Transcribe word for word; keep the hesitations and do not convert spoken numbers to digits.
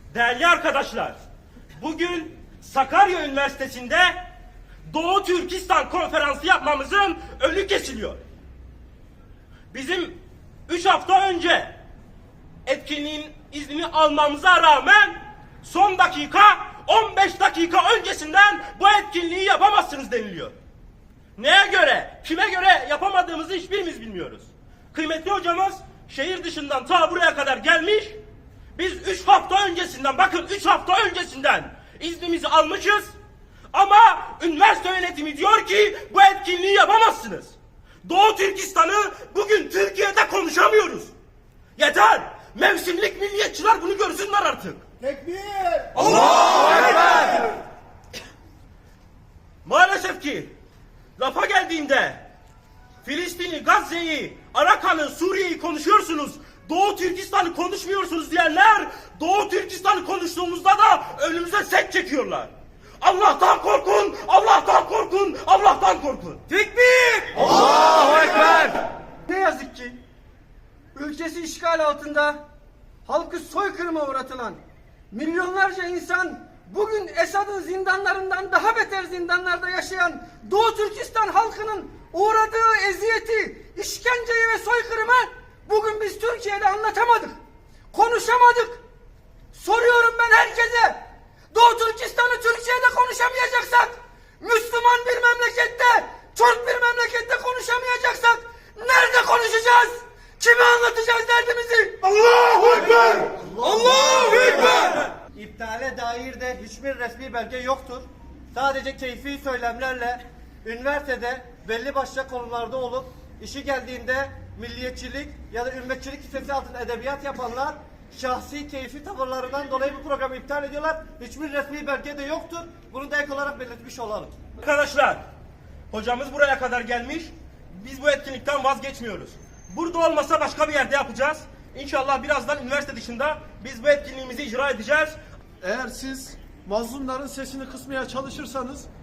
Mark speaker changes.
Speaker 1: Değerli arkadaşlar, bugün Sakarya Üniversitesi'nde Doğu Türkistan konferansı yapmamızın önü kesiliyor. Bizim üç hafta önce etkinliğin iznini almamıza rağmen son dakika on beş dakika öncesinden bu etkinliği yapamazsınız deniliyor. Neye göre, kime göre yapamadığımızı hiçbirimiz bilmiyoruz. Kıymetli hocamız şehir dışından ta buraya kadar gelmiş. Biz üç hafta öncesinden, bakın üç hafta öncesinden iznimizi almışız. Ama üniversite yönetimi diyor ki bu etkinliği yapamazsınız. Doğu Türkistan'ı bugün Türkiye'de konuşamıyoruz. Yeter! Mevsimlik milliyetçiler bunu görsünler artık.
Speaker 2: Tekbir!
Speaker 1: Allahu Ekber! Maalesef ki lafa geldiğinde Filistin'i, Gazze'yi, Arakan'ı, Suriye'yi konuşuyorsunuz. Doğu Türkistan'ı konuşmuyorsunuz diyenler Doğu Türkistan'ı konuştuğumuzda da önümüze set çekiyorlar. Allah'tan korkun, Allah'tan korkun, Allah'tan korkun.
Speaker 2: Tekbir!
Speaker 1: Allahu Ekber!
Speaker 2: Ne yazık ki ülkesi işgal altında halkı soykırıma uğratılan milyonlarca insan bugün Esad'ın zindanlarından daha beter zindanlarda yaşayan Doğu Türkistan halkının uğradığı eziyeti, işkenceyi ve soykırımı bugün biz Türkiye'de anlatamadık. Konuşamadık. Soruyorum ben herkese. Doğu Türkistan'ı Türkiye'de konuşamayacaksak, Müslüman bir memlekette, Türk bir memlekette konuşamayacaksak nerede konuşacağız? Kime anlatacağız derdimizi?
Speaker 1: Allahu Ekber! Allahu Ekber!
Speaker 3: İptale dair de hiçbir resmi belge yoktur. Sadece keyfi söylemlerle üniversitede belli başlı konularda olup işi geldiğinde milliyetçilik ya da ümmetçilik hissesi altında edebiyat yapanlar şahsi keyfi tavırlarından dolayı bu programı iptal ediyorlar. Hiçbir resmi belge de yoktur. Bunu da ek olarak belirtmiş olalım.
Speaker 1: Arkadaşlar, hocamız buraya kadar gelmiş. Biz bu etkinlikten vazgeçmiyoruz. Burada olmasa başka bir yerde yapacağız. İnşallah birazdan üniversite dışında biz bu etkinliğimizi icra edeceğiz.
Speaker 4: Eğer siz mazlumların sesini kısmaya çalışırsanız